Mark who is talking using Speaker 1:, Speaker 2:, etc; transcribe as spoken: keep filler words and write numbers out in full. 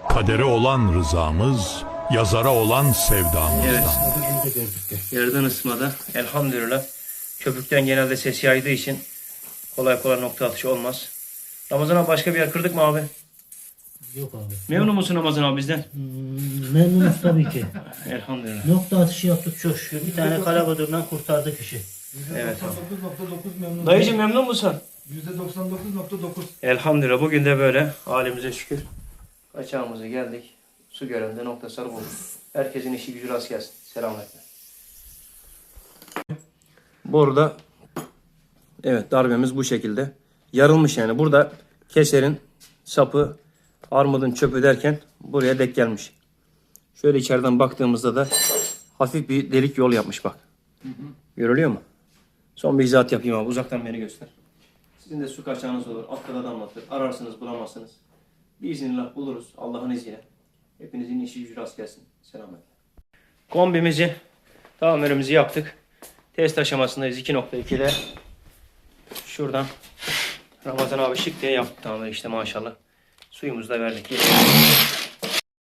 Speaker 1: Kadere olan rızamız, yazara olan sevdamızdan.
Speaker 2: Evet. Yerden ısmada elhamdülillah. Köpükten genelde ses yaydığı için kolay kolay nokta atışı olmaz. Ramazan abi başka bir yer kırdık mı abi?
Speaker 3: Yok abi.
Speaker 2: Memnun musun Ramazan abi bizden?
Speaker 3: Hmm, memnunuz tabii ki.
Speaker 2: Elhamdülillah.
Speaker 3: Nokta atışı yaptık çok şükür. Bir tane kalabadırdan kurtardık işi.
Speaker 2: Evet abi.
Speaker 4: doksan dokuz nokta dokuz memnun.
Speaker 2: Dayıcım memnun musun?
Speaker 4: yüzde doksan dokuz nokta dokuz.
Speaker 2: Elhamdülillah bugün de böyle halimize şükür. Kaçağımıza geldik. Su görende nokta sarı bulduk. Herkesin işi gücü rast gelsin. Selametle. Burada evet darbemiz bu şekilde. Yarılmış yani. Burada keserin sapı, armudun çöpü derken buraya dek gelmiş. Şöyle içeriden baktığımızda da hafif bir delik yol yapmış bak. Hı hı. Görülüyor mu? Son bir izahat yapayım abi. Uzaktan beni göster. Sizin de su kaçağınız olur. Altta da anlatır. Ararsınız bulamazsınız. Biiznillah buluruz. Allah'ın izniyle. Hepinizin işi gücü rast gelsin. Selametle. Kombimizi, tamirimizi yaptık. Test aşamasındayız iki nokta ikide. Şuradan Ramazan abi şık diye yaptı tamir işte maşallah. Suyumuzu da verdik.